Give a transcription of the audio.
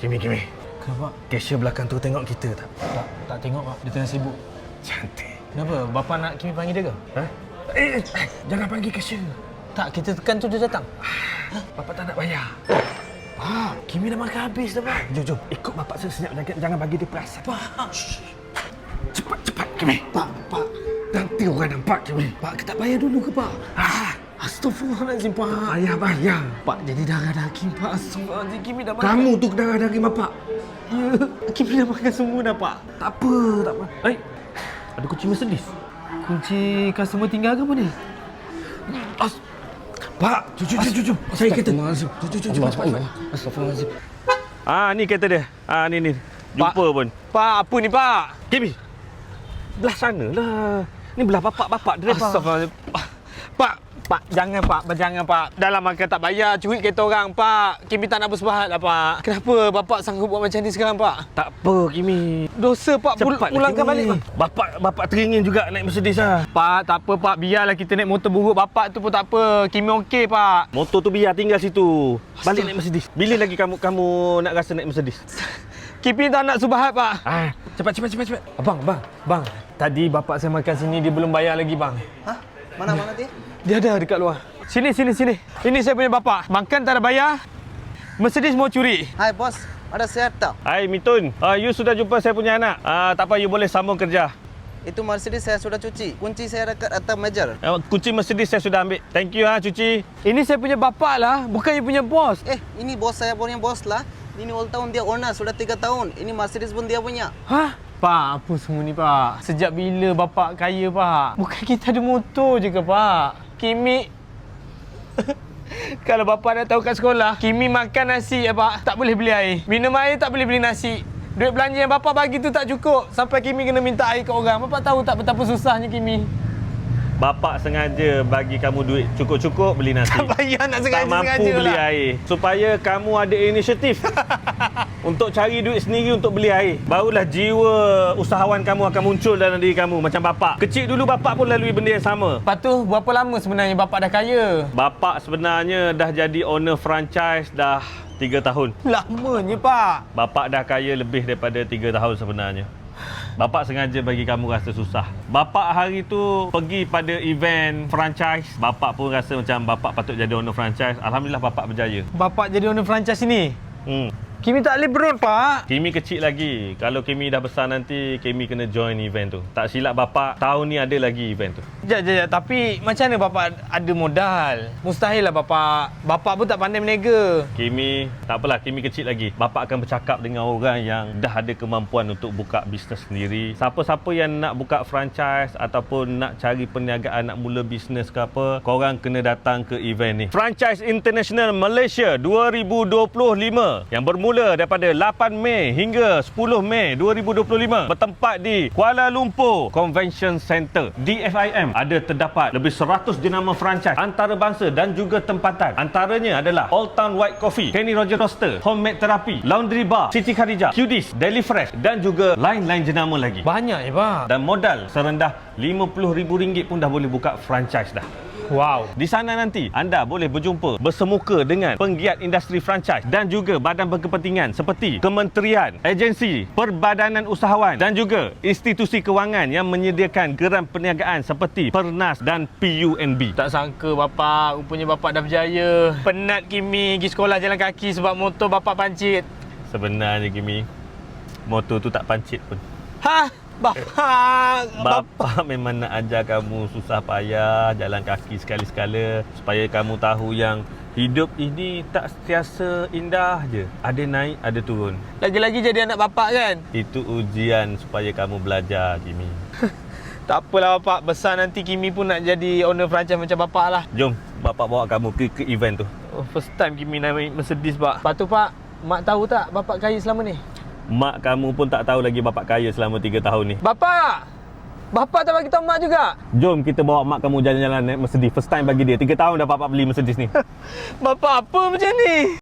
Kimi. Kenapa? Cashier belakang tu tengok kita tak? Tak tengok Pak, dia tengah sibuk. Cantik. Kenapa? Bapa nak Kimi panggil dia ke? Ha? Jangan panggil cashier. Tak, kita tekan tu dia datang. Bapak tak nak bayar. Kimi dah makan habis dah, Pak. Jom. Ikut bapak senyap. Jangan bagi dia perasan. Pak. Cepat, Kimi. Pak. Nanti orang nampak, Kimi. Pak, kita bayar dulu ke, Pak? Astagfirullahaladzim, Pak. Bayar. Pak, jadi darah daging, Pak. Astagfirullahaladzim, Kimi dah makan. Kamu tu darah daging bapak. Ya, Kimi dah makan semua dah, Pak. Tak apa. Ada kucing Mercedes. Kunci customer tinggal ke apa ni? Pak, jom. Saya kereta. Jom, cepat. Astagfirullahaladzim. Ni kereta dia. Ni. Jumpa Pak. pun. Pak, apa ni, Pak? Kimi. Belah sana lah. Ni belah bapak dia, Pak. Astagfirullahaladzim. Pak, jangan, Pak. Dalam makan tak bayar, curi kereta orang, Pak. Kimi tak nak bersebahat lah, Pak. Kenapa Bapak sanggup buat macam ni sekarang, Pak? Tak apa, Kimi. Dosa, Pak. Pulangkan balik, Pak. Bapak teringin juga naik Mercedes lah. Pak, tak apa, Pak. Biarlah kita naik motor buruk Bapak tu pun tak apa. Kimi okey, Pak. Motor tu biar tinggal situ. Balik naik Mercedes. Bila lagi kamu nak rasa naik Mercedes? Kimi tak nak subahat, Pak. Cepat. Bang. Tadi Bapak saya makan sini, dia belum bayar lagi, bang. Hah? Mana dia? Dia ada dekat luar. Sini. Ini saya punya Bapak. Makan tak ada bayar. Mercedes mau curi. Hai, bos. Ada sehat tak? Hai, Mitun. You sudah jumpa saya punya anak. Tak apa, you boleh sambung kerja. Itu Mercedes saya sudah cuci. Kunci saya dekat atas meja. Kunci Mercedes saya sudah ambil. Thank you, cuci. Ini saya punya Bapak lah. Bukan you punya bos. Ini bos saya punya bos lah. Ini old tahun dia owner sudah 3 tahun. Ini Mercedes pun dia punya. Hah? Pak, apa semua ni, Pak? Sejak bila Bapak kaya, Pak? Bukan kita ada motor je ke, Pak? Kimi... Kalau Bapak nak tahu kat sekolah, Kimi makan nasi, Pak. Tak boleh beli air. Minum air tak boleh beli nasi. Duit belanja yang Bapak bagi tu tak cukup. Sampai Kimi kena minta air kat orang. Bapak tahu tak betapa susahnya Kimi? Bapak sengaja bagi kamu duit cukup-cukup beli nasi. Tak payah nak sengaja-sengaja Tak mampu beli lah. air. Supaya kamu ada inisiatif untuk cari duit sendiri untuk beli air. Barulah jiwa usahawan kamu akan muncul dalam diri kamu macam bapak. Kecil dulu bapak pun lalui benda yang sama. Lepas tu, berapa lama sebenarnya Bapak dah kaya? Bapak sebenarnya dah jadi owner franchise dah 3 tahun. Lamanya, Pak. Bapak dah kaya lebih daripada 3 tahun sebenarnya. Bapak sengaja bagi kamu rasa susah. Bapak hari tu pergi pada event franchise. Bapak pun rasa macam bapak patut jadi owner franchise. Alhamdulillah bapak berjaya. Bapak jadi owner franchise ni? Kimi tak boleh berut, Pak. Kimi kecil lagi. Kalau Kimi dah besar nanti, Kimi kena join event tu. Tak silap bapak, tahun ni ada lagi event tu. Sekejap. Tapi macam mana Bapak ada modal? Mustahil lah Bapak. Bapak pun tak pandai berniaga. Kimi, tak apalah, Kimi kecil lagi. Bapak akan bercakap dengan orang yang dah ada kemampuan untuk buka bisnes sendiri. Siapa-siapa yang nak buka franchise ataupun nak cari perniagaan, nak mula bisnes ke apa, korang kena datang ke event ni. Franchise International Malaysia 2025 yang bermula daripada 8 Mei hingga 10 Mei 2025 bertempat di Kuala Lumpur Convention Center DFIM. Ada terdapat lebih 100 jenama franchise antarabangsa dan juga tempatan. Antaranya adalah Old Town White Coffee, Kenny Roger Roaster, Homemade Therapy, Laundry Bar, Siti Khadijah, Qdis, Deli Fresh dan juga lain-lain jenama lagi. Banyak ya, Pak. Dan modal serendah RM50,000 pun dah boleh buka franchise dah. Wow. Di sana nanti anda boleh berjumpa bersemuka dengan penggiat industri franchise dan juga badan berkepentingan seperti kementerian, agensi, perbadanan usahawan dan juga institusi kewangan yang menyediakan geran perniagaan seperti Pernas dan PUNB. Tak sangka Bapak, rupanya Bapak dah berjaya. Penat Kimi pergi sekolah jalan kaki sebab motor Bapak pancit. Sebenarnya Kimi, motor tu tak pancit pun. Hah? Bapak memang nak ajar kamu susah payah jalan kaki sekali-sekala supaya kamu tahu yang hidup ini tak sentiasa indah je. Ada naik, ada turun. Lagi-lagi jadi anak Bapak kan? Itu ujian supaya kamu belajar, Kimi. Tak apalah Bapak, besar nanti Kimi pun nak jadi owner franchise macam Bapak lah. Jom, Bapak bawa kamu ke event tu. First time Kimi naik Mercedes, Pak. Lepas tu, Pak, Mak tahu tak Bapak kaya selama ni? Mak kamu pun tak tahu lagi bapak kaya selama 3 tahun ni. Bapak! Bapak tak bagi tahu Mak juga? Jom kita bawa mak kamu jalan-jalan naik Mercedes. First time bagi dia. 3 tahun dah bapak beli Mercedes ni. Bapak apa macam ni?